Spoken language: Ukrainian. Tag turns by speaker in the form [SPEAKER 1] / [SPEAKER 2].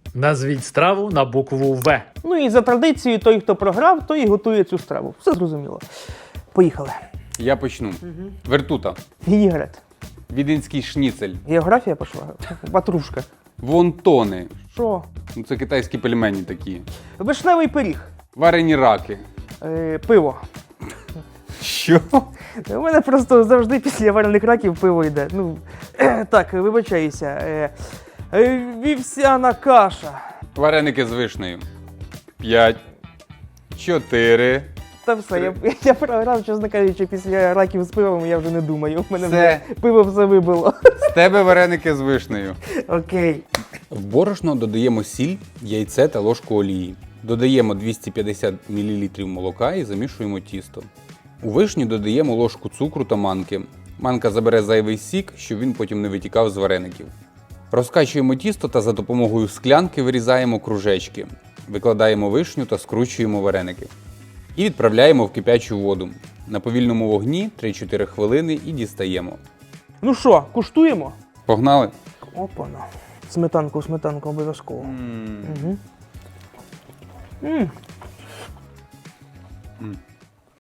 [SPEAKER 1] Назвіть страву на букву В.
[SPEAKER 2] Ну і за традицією, той, хто програв, той і готує цю страву. Все зрозуміло. Поїхали.
[SPEAKER 3] Я почну. Вертута.
[SPEAKER 2] Вінігрет.
[SPEAKER 3] Віденський шніцель.
[SPEAKER 2] Географія пішла. Ватрушка.
[SPEAKER 3] Вонтони.
[SPEAKER 2] Що?
[SPEAKER 3] Ну, це китайські пельмені такі.
[SPEAKER 2] Вишневий пиріг.
[SPEAKER 3] Варені раки.
[SPEAKER 2] Пиво.
[SPEAKER 3] Що?
[SPEAKER 2] У мене просто завжди після варених раків пиво йде. Ну, так, вибачаюся. Вівсяна каша.
[SPEAKER 3] Вареники з вишнею. 5. 4.
[SPEAKER 2] Та все, я програв, чесно кажучи, після раків з пивом я вже не думаю. У мене
[SPEAKER 3] Все.
[SPEAKER 2] вже пиво все вибило.
[SPEAKER 3] З тебе вареники з вишнею.
[SPEAKER 2] Окей.
[SPEAKER 3] В борошно додаємо сіль, яйце та ложку олії. Додаємо 250 мл молока і замішуємо тісто. У вишню додаємо ложку цукру та манки. Манка забере зайвий сік, щоб він потім не витікав з вареників. Розкачуємо тісто та за допомогою склянки вирізаємо кружечки. Викладаємо вишню та скручуємо вареники. І відправляємо в кипячу воду. На повільному вогні 3-4 хвилини і дістаємо.
[SPEAKER 2] Ну що, куштуємо?
[SPEAKER 3] Погнали?
[SPEAKER 2] Опана. Сметанку обов'язково. Угу.